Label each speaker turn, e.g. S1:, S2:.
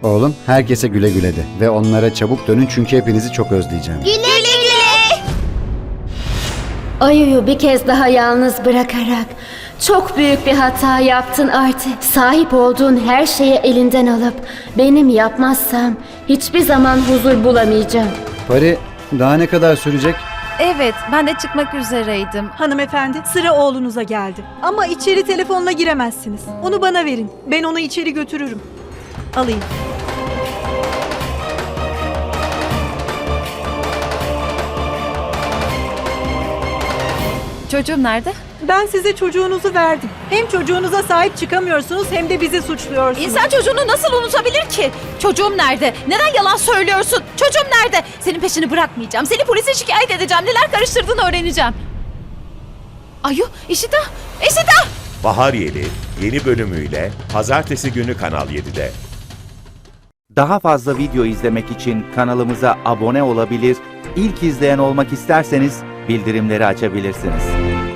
S1: Oğlum herkese güle güle de ve onlara çabuk dönün çünkü hepinizi çok özleyeceğim.
S2: Güle güle.
S3: Ayu'yu bir kez daha yalnız bırakarak çok büyük bir hata yaptın Arti. Sahip olduğun her şeyi elinden alıp benim yapmazsam hiçbir zaman huzur bulamayacağım.
S1: Pari daha ne kadar sürecek?
S4: Evet, ben de çıkmak üzereydim.
S5: Hanımefendi, sıra oğlunuza geldi. Ama içeri telefonla giremezsiniz. Onu bana verin. Ben onu içeri götürürüm. Alayım.
S4: Çocuğum nerede?
S5: Ben size çocuğunuzu verdim. Hem çocuğunuza sahip çıkamıyorsunuz hem de bizi suçluyorsunuz.
S6: İnsan çocuğunu nasıl unutabilir ki? Çocuğum nerede? Neden yalan söylüyorsun? Çocuğum nerede? Senin peşini bırakmayacağım. Seni polise şikayet edeceğim. Neler karıştırdığını öğreneceğim. Ayu, İşita! İşita!
S7: Bahar Yeli yeni bölümüyle pazartesi günü Kanal 7'de.
S8: Daha fazla video izlemek için kanalımıza abone olabilir, ilk izleyen olmak isterseniz bildirimleri açabilirsiniz.